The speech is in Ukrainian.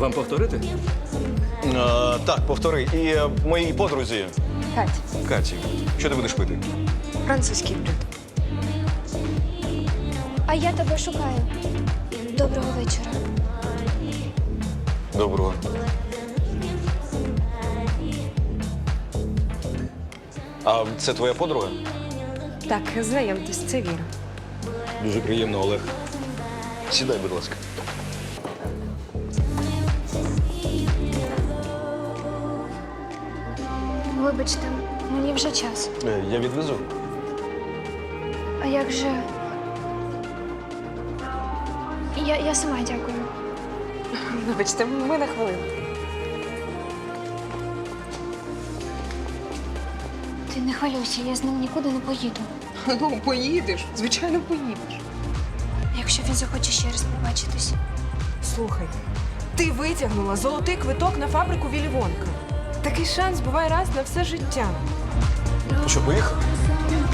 Вам повторити? Так, повтори. І моїй подрузі Кать, Каті. Що ти будеш пити? французький блюд. А я тебе шукаю. Доброго вечора. Доброго. А це твоя подруга? Так, знайомтесь, це Віра. Дуже приємно, Олег. Сідай, будь ласка. Вибачте, мені вже час. Я відвезу. А як же? Я сама дякую. Вибачте, ми на хвилину. Ти не хвилюйся, я з ним нікуди не поїду. Ну, поїдеш. Звичайно, поїдеш. Якщо він захоче ще раз побачитись. Слухай, ти витягнула золотий квиток на фабрику Віллі Вонка. Такий шанс буває раз на все життя. Що, поїхав?